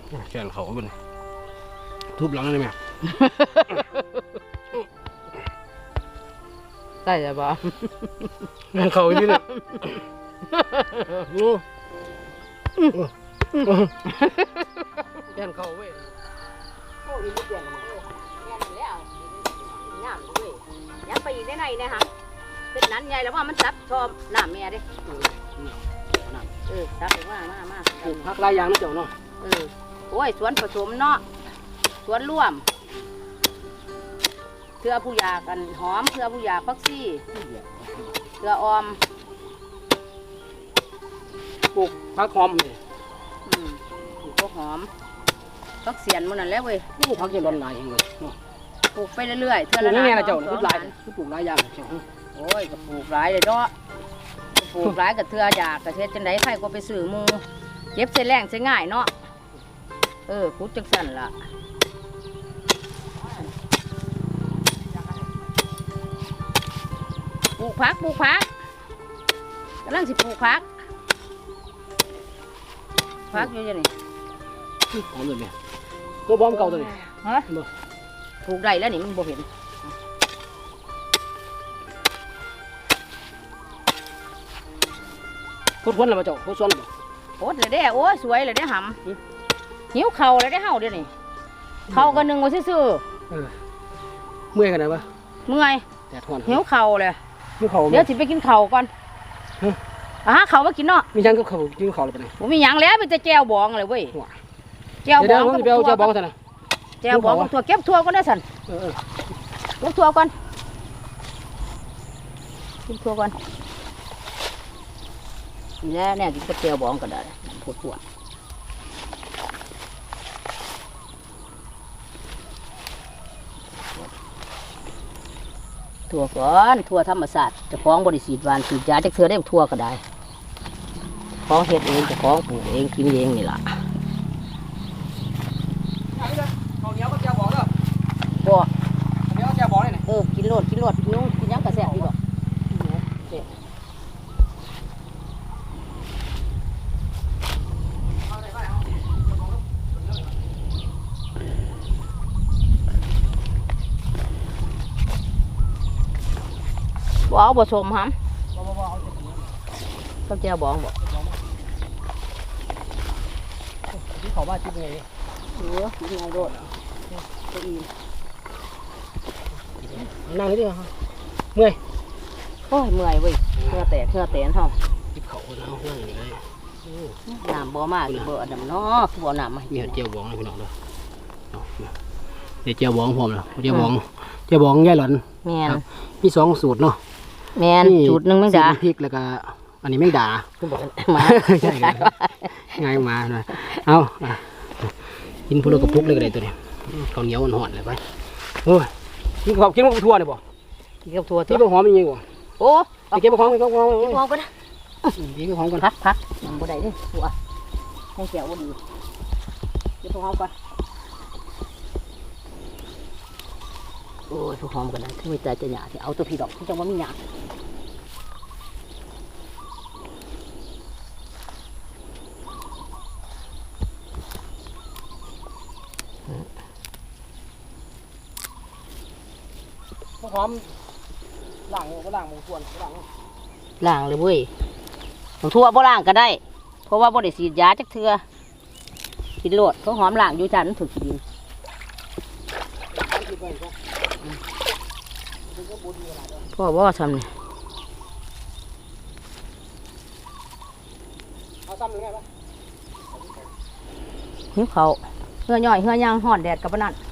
แขนเขาเป็นทุบหลังได้ไหมใช่จ้ะบ่แขนเขาอยู่เนี่ยแขนเขาเว้ยโอ้ยเปลี่ยนแล้วงามเลยยังไปอีกได้ไหนเนี่ยฮะเป็นนั้นใหญ่แล้วว่ามันซับชอบหน้าแม่ดิซับไปมาปลูกผักหลายอย่างนะเจ้าเนาะโอ้ยสวนผสมเนาะสวนร่วมเพื่อผู้ยากันหอมเพื่อผู้ยาพักซี่เพื่อออมปลูกผักหอมเลยปลูกก็หอมพักเสียนมันนั่นแหละเว้ยปลูกผักจะร้อนหลายเองเลยเนาะปลูกไปเรื่อยๆเท่าปลูละกนานนี่ไงนะเจ้าปลูกหลายปลูกหลายอย่างเจ้าโอ้ยก็ปลูกหลายเลยเนาะปลูกหลายกับเทืออยากกับเทศจังไดใครก็ไปซื้อหมูเจ็บเส้นแรงเส้นง่ายเนาะพุทธจังสันล่ะปลูกผักกำลังสิปลูกผักอยู่ยังไงหอมเลยแม่ตัวบอมเก่าตัวนี้ฮะปลูกได้แล้วนี่มันบ่เห็นพุทธวันละมาเจ้าพุทธวันละโอ๊ตเลยเด้โอ้ยสวยเลยเด้หำหิวเข่าเลยเด้เฮาเดี๋ยวนี้เข่ากันหนึ่งว่าซื่อเมื่อยกันไหนวะเมื่อยแดดร้อนหิวเข่าเลยหิวเขาเดี๋ยวสิไปกินเข่าก่อนเข่ามากินเนาะมีจังก็เขากินเขาเลยไปไหนผมมีหยังแล้วมีแต่แจวบองเลยเว้ยแจวบเดี๋ยอวงผมจะไปเอาเจ้าบองซะนะแจวบองถั่วเก็บถั่วก่อนได้สันเก็บถั่วก่อนกินถั่วก่อนแล้วเนี่ยกินกับแจวบองก็ได้ปวดถั่วก่อนถั่วธรรมศาสตร์จะคล้องบริสีดวานสีดยาจะเธอได้ถั่วก็ได้คล้องเฮ็ดเองจะคล้องปลูกเองกินเองนี่ล่ะเขาเหนียวก็เจ้าบองเด้อบ่เหนียวเจ้าบองเลยนะกินโลดกินนุ่งกินยังกระแสพี่บอกบ่เอาบ่สมหำก็แจ้วบองบอกที่เขาบ้านที่เป็นไงกินไงโดดก็อีนั่งนี่ดิฮะเมื่อยโอ้ยเมื่อยเว้ยเหงื่อแตกเท่าที่เขาเนาะนั่งอยู่เลยน้ำบ่มากบ่อันนั้นเนาะบ่น้ำมามีเจ้าบองเลยพี่น้องเด้อเดี๋ยวเจ้าบองพร้อมแล้วเจ้าบองย่ายหลอนแม่นมีสองสูตรเนาะแม่นจุดนึงแมงดาพริกแล้วก็อันนี้แมงดามาใช่ง่ายมาหน่อยเอากินพวกเรากระปุกเลยก็ได้ตัวนี้ข้าวเหนียวห่อนเลยไปโอ้ยกินข้าวกินกับถั่วเลยบ่กินกับถั่วที่บ่หอมมีบ่โอ้ไปเก็บหอมไปเก็บหอมมองไปนะเก็บหอมก่อนพักยังบ่ได้เด้ถั่วให้แก้วบ่ดีเก็บหอมก่อนโอ้ยพวกหอมกันนะที่ไม่ใจจะหยาที่เอาตัวพี่ดอกที่จังว่ามีหยาหอมล้างก็ล้างหมูส่วนล้างล้างเลยเว้ยทั่วบ่ล้างก็ได้เพราะว่าบ่ได้ฉีดยาจักเทื่อกินโลดเขาหอมล้างอยู่จันถูกดินพ่อบ่ทำนี่เอาซ้ำหรือไงปะหิวเขาเหื่อย่อยเหื่อย่างห่อนแดดกับนั่น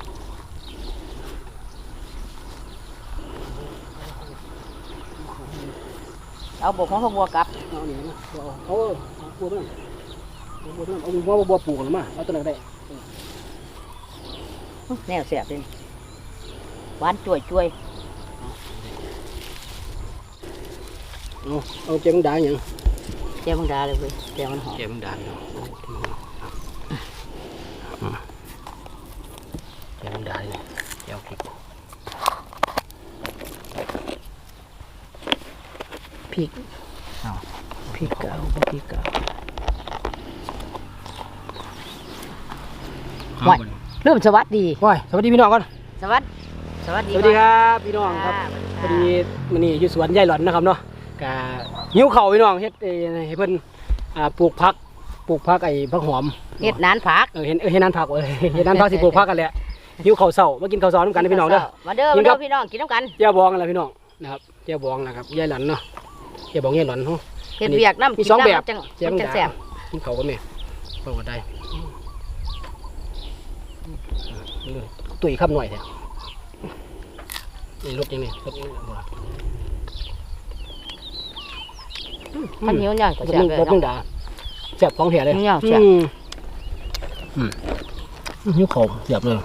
เอาบกของเขาบัวกลับเอาเนี่ยนะเอาบัวไปนั่นเอาบัวไปนั่นเอาบัวปลูกหรือมาเอาตัวไหนได้แนวเสียบเลยหวานจ่วยเอาเจ้ามึงด่าอย่างเจ้ามังดาเลยเว้ยเจ้ามันหอมเจ้ามึงด่าอย่างเจ้ามึงด่าเลยเจ้าพริกพริกพริกเก่าพริกเก่าห่วยเริ่มสวัสดีว้ยสวัสดีพี่น้องก่อนสวัสดีสวัสดีสวัสดีครับพี่น้องครับพอดีมื้อนี้อยู่สวนยายหลอนนะครับเนาะกะหิวข้าวพี่น้องเฮ็ดให้เพิ่นปลูกผักไอ้ผักหอมเฮ็ดนานผักเห็นนั้นผักเห็นนั้นผักสิปลูกผักกันแหละหิวข้าวเช้ามากินข้าวซอยนำกันนะพี่น้องเด้อมาเด้อมาเด้อพี่น้องกินน้ำกันเจ้าบองอะไรพี่น้องนะครับเจ้าบองนะครับยายหลอนเนาะเจ้าบองยายหลอนเนาะเฮ็ดเวียกน้ำมีสองแบบจังเจ้าจังแซ่บกินข้าวกันแม่เปิดได้ตุ๋ยคำหน่อยแท้นี่รสยังไงรสยังไงบ่ข้าวเหนียวย่างก็รสแซ่บนึงเลยรสนึงเนาะด่าแซ่บของแท้เลยย่างแซ่บหิวข้าวแซ่บเลย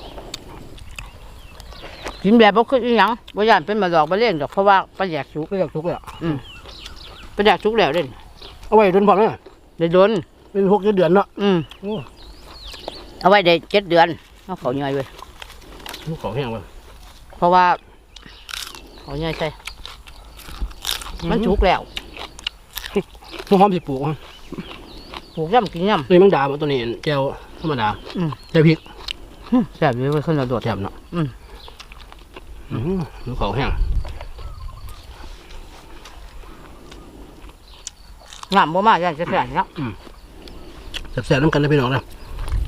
กินแบบบ่คืออีหยังบ่ย่านเป็นมาดอกบ่เลี้ยงดอกเพราะว่าปลาแยกสุกก็อยากทุกเลยอ่ะปลาแยกสุกแล้วเด้เอาไว้โดนพอเลยได้โดนเป็น6 เดือนเนาะ โอ้เอาไว้ได้7 เดือนเอาเขาย่อยเว้ยหิวข้าวแห้งเลยเพราะว่าเขาย่อยใส่มันสุกแล้วหัวหอมสิปลูกอ่ะปลูกย่ำกินย่นี่มังดาตัวนี้แก้วธรรมดาำแก้วพริกแซ่บอยู่เว้ยคนละโดดแซ่บเนาะ หิวข้าวแห้งงามบ่มากย่านจะแซ่บเนาะแซ่บๆน้ำกันนะพี่น้องนะโอ้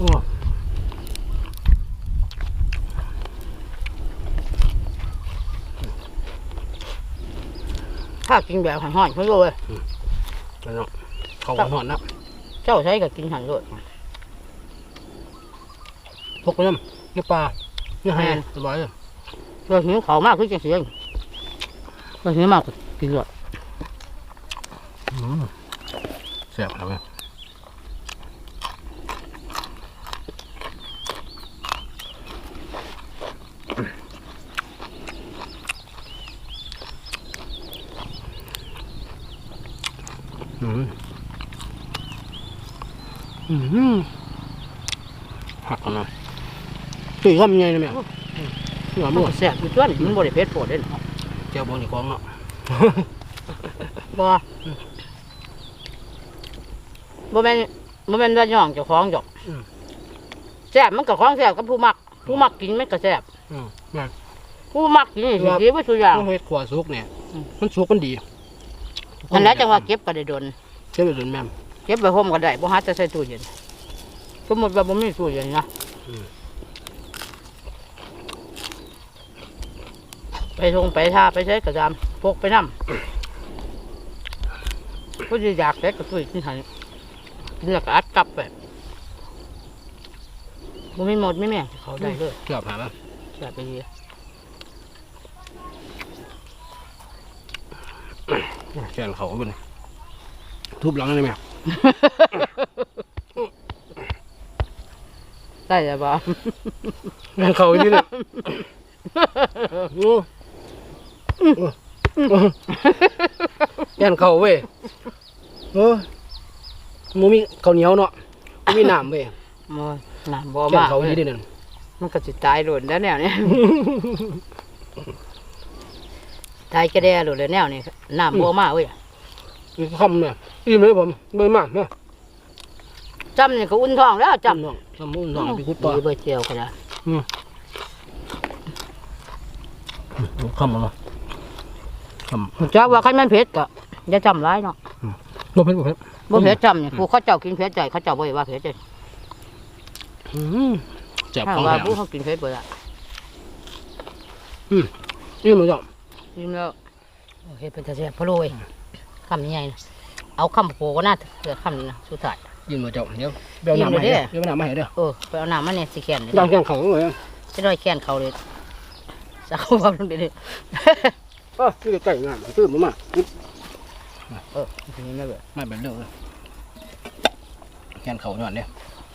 ถ้ากินแบบห่อนๆเพิ่นเลยพี่น้องข้าวหอนนะเจ้าใช้ก็กินหั่นเลยพกไปน้ำเนื้อปลาเนื้อแห้งสบายเลยเพื่อหิวเขาวมากคือจังซี่เพื่อหิวมากก็กินเลยแซ่บครับหักกันนะตีก็มีไงนะแม่หัวมันมั่วก็แซ่บอยู่ตัวนี่มันบ่ได้เผ็ดโพดเด้เจ้าบอลนี่กองเนาะบ่บ่แม่นว่าย่องเจ้าของดอกแซ่บมันก็ของแซ่บกับผู้มักกินมันก็แซ่บแม่ผู้มักกินนี่สิดีไว้ทุกอย่างต้องเฮ็ดขวาสุกเนี่ยมันสุกมันดีอันนั้นจังว่าเก็บก็ได้โดนเชื่อไปเลยแม่เก็บไว้ห่มก็ได้บ่หาจะใส่ตู้เย็นสมมุติว่าบ่มีตู้เย็นนะไปทงไปท่าไปใช้กระดามพกไปนำผู้ที่อยากใช้ก็ตู้กินหั่นกินแล้วก็อัดกลับไปบ่มีหมดไม่แม่งเขาได้เลยเกือบหาแล้วแซ่บไปดีแกนเขาเป็นทุบหลังเลยแม่ได้แล้วบ่แกนเขาอีกนิดนึงแกนเขาเว้ยโอ้มูมีข้าวเหนียวเนาะมูมีน้ำเว้ยบ่น้ำบ่แกนมากเขาอีกนิดนึงมันก็สิตายโดนแล้วแนวนี้ ตายกระแดโดนแล้วแนวนี้น้ำบ่มากเว้ยคำเนี่ยอิ่มเลยผมเบิ่มากนะจำนี่ก็อุ่นท้องแล้วจำน้องสมุนน้องไปคุดต่อดีเบอร์เจียวก็ได้คำอะไรคจักว่าใครมันเผ็ดก็อย่าจำร้ายเนาะำบ่เผ็ดบ่เผ็ดบ่เผ็ดจำนี่ผู้เขาเจ้ากินเผ็ดใจเขาเจ้าบ่ได้ว่าเผ็ดใจเจ็บถ้าของว่าแถมผู้เขากินเผ็ดบ่ได้อิ่มเลยจ้ะยิ้มแล้วโอเคเป็นตาแซ่บพะโล้ยคำใหญ่นะเอาคำโปก็น่าเหลือคำนี้นะสุดท้ายอิ่มเลยจ้ะเดี๋ยวเบลน้ำมาให้เดี๋ยวน้ำมาให้เด้อไปเอาน้ำมาเนี่ยสิแขนเลยดังแกงเขาเลยจะได้แขนเขาเลยสักเขาลงไปเลยนี่ใกล้งานตื้มมาทีนี้ไม่เบื่อไม่เป็นเรื่องเลยแกงเขาหน่อยเนี่ย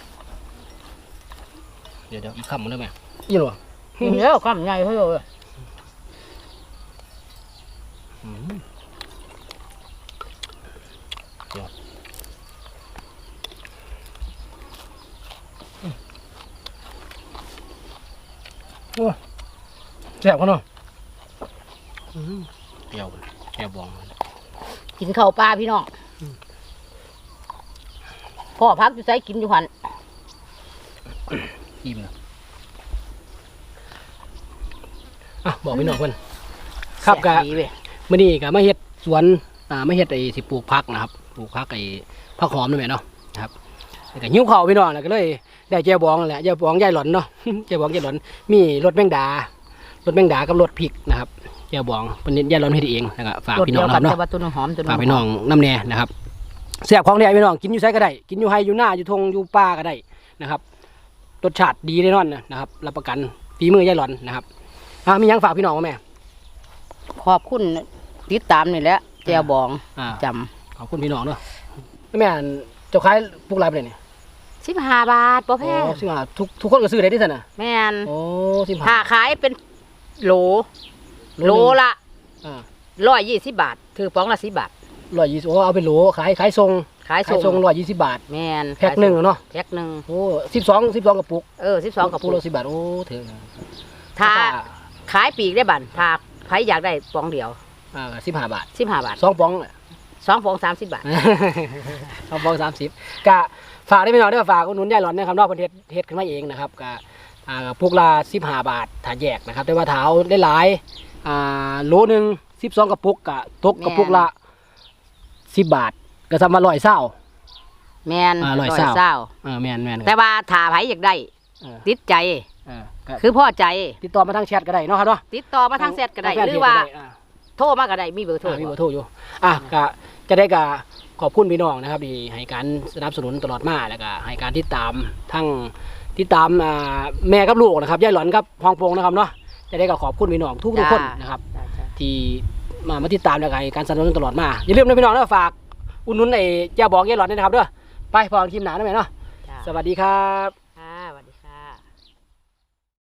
เดี๋ยวอีกคำมันได้ไหมอิ่มหรอกินแล้วคำใหญ่เฮ้ยเลยแซ่บเขาเนาะเปรี้ยวแก้วบองกินข้าวปลาพี่น้องพ่อพักอยู่ไสกินอยู่หันอิ่มแล้วอ่ะบอกพี่น้องเพิ่นครับกะแซ่ดีเว้ยมื้อนี้ก็มาเฮ็ดสวนมาเฮ็ดไอ้สิปลูกผักนะครับปลูกผักไอ้ผักหอมนั่นแหละเนาะนะครับแล้วก็หิวข้าวพี่น้องแล้วก็เลยได้แจ่วบองนั่นแหละแจ่วบองยายหล่อนเนาะ แจ่วบองยายหล่อนมีรสแมงดารสแมงดากับรสพริกนะครับแจ่วบองเพิ่นยายหล่อนเฮ็ดเองแล้วก็ฝากรสพี่เดีน้ยองวกันะนครับแต่เนาะว่าตัวนึงหอมตัวนึงฝากพี่น้องน้ำแน่นะครับแซ่บของแท้พี่น้องกินอยู่ไสก็ได้กินอยู่ไร่อยู่นาอยู่ทงอยู่ป่าก็ได้นะครับรสชาติดีแน่นอนนะครับรับประกันฝีมือยายหล่อนนะครับมีหยังฝากพี่น้องบ่แม่ขอบคุณติดตามนี่แหละแจวบองอ่าจขอบคุณพี่น้องเนาะแม่นเจ้าขายพวกไรไปเลยเนี่ยำ15 บาทบ่แพงสิมาทุกคนก็ซื้อได้ที่สั่นน่ะแม่นโอ้ถ้า 15 ขายเป็นโหลละอ่า 120 บาทถือป๋องละ10 บาท 120โอ้เอาเป็นโหลขายทรงขายขายทส่รงง 120 บาทแม่นแพ็คหนึ่งเนาะแพ็คหนึ่งโอ้12กระปุก 12กับปุกละ10 บาทโอ้ถึงถ้าขายปีกได้บันถ้าใครอยากได้ป๋องเดียว 15 บาท 15 บาท 2ป๋อง 2ป๋อง30 บาท 2ป๋อง30กะฝากได้พี่น้องได้ฝากอุดหนุนยายหลอนนะครับเนาะเพิ่นเฮ็ดขึ้นมาเองนะครับกะพวกละ15 บาทถ้าแยกนะครับแต่ว่าถ้าเอาได้หลายโลนึง12กระปุกกะตกกระปุกละ10 บาทก็สำว่า120 แม่นร้อยร้อยเศร้าเศร้าแม่นแต่ว่าถ้าใครอยากได้เออติดใจก็คือพ่อใจติดต่อมาทางแชทก็ได้เนาะครับเนาะติดต่อมาทางเซตก็ได้ทงแฟนหรือว่าเพจก็ได้โทรมาก็ได้มีเบอร์โทรมีเบอร์โทรอยู่ก็จะได้ก็ขอบคุณพี่น้องนะครับที่ให้การสนับสนุนตลอดมาแล้วก็ให้การติดตามทั้งติดตามแม่กับลูกนะครับยายหลอนกับพองพงนะครับเนาะจะได้ก็ขอบคุณพี่น้องทุกคนนะครับ ที่มาติดตามแล้วก็ให้การสนับสนุนตลอดมาอย่าลืมนะพี่น้องนะฝากอุดหนุนไอ้เจ้าบอกยายหลอนด้วยนะครับเด้อไปพอกันคลิปหนาได้ไหมเนาะจ้าสวัสดีครับ